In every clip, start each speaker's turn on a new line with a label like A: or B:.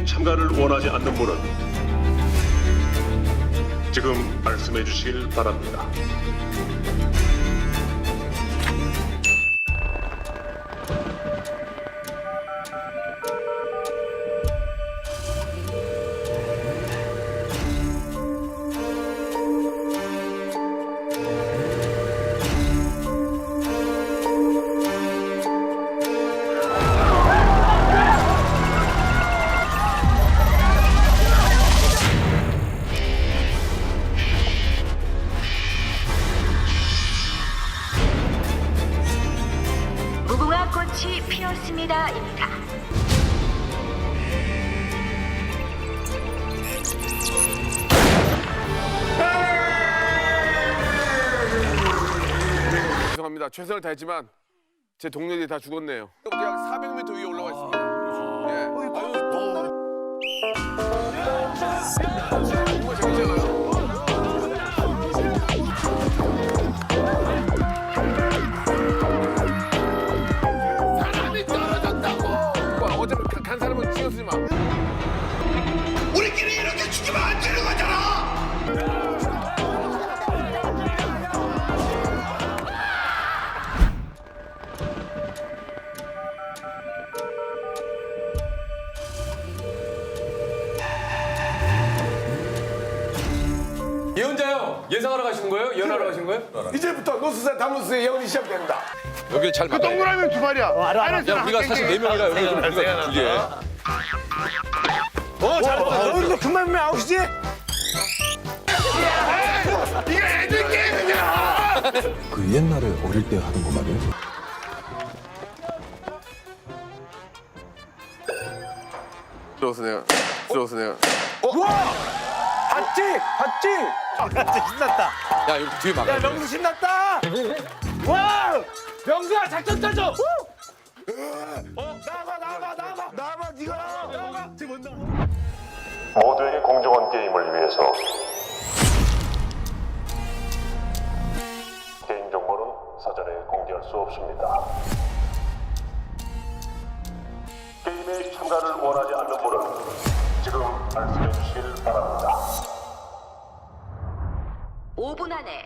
A: 참가를 원하지 않는 분은 지금 말씀해 주시길 바랍니다.
B: 무궁화 꽃이 피었습니다입니다.
C: 죄송합니다. 최선을 다했지만 제 동료들이 다 죽었네요. 약 400m 위에 올라가 있습니다. 예. 정말 재밌잖아요. 사람이 떨어졌다고. 어차피 간 사람은 신경 쓰지 마.
D: 우리끼리 이렇게 죽으면 안 되는 거잖아!
E: 예언자요. 예상하러 가시는 거예요? 예언하러 가시는 거예요?
C: 이제부터 노스산 담노스의 예언이 시작됩니다.
E: 여기 잘 맞아요.
C: 동그라미 두 발이야.
E: 야, 우리가 사실 4명이라 여기 우리가 두 개.
C: 너희도 금방 보면 아웃이지? 이게 애들 게임이야!
F: 그 옛날에 어릴 때 하던 거 말이에요?
C: 들어서 내가.
G: 봤지? 신났다.
E: 야, 여기 뒤에 막아.
G: 야, 명수 신났다. 와! 명수야, 작전 짜줘. 나와, 네가 나와.
A: 모두에게 공정한 게임을 위해서 개인정보는 사전에 공개할 수 없습니다. 게임에 참가를 원하지 않는 분은 지금 말씀해 주시길 바랍니다.
B: 5분 안에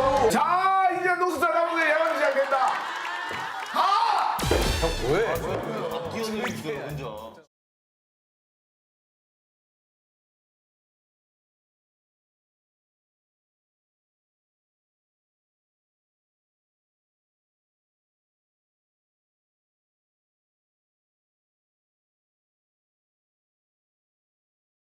C: 자, 이제 노스산 담노스의 예언이 시작된다.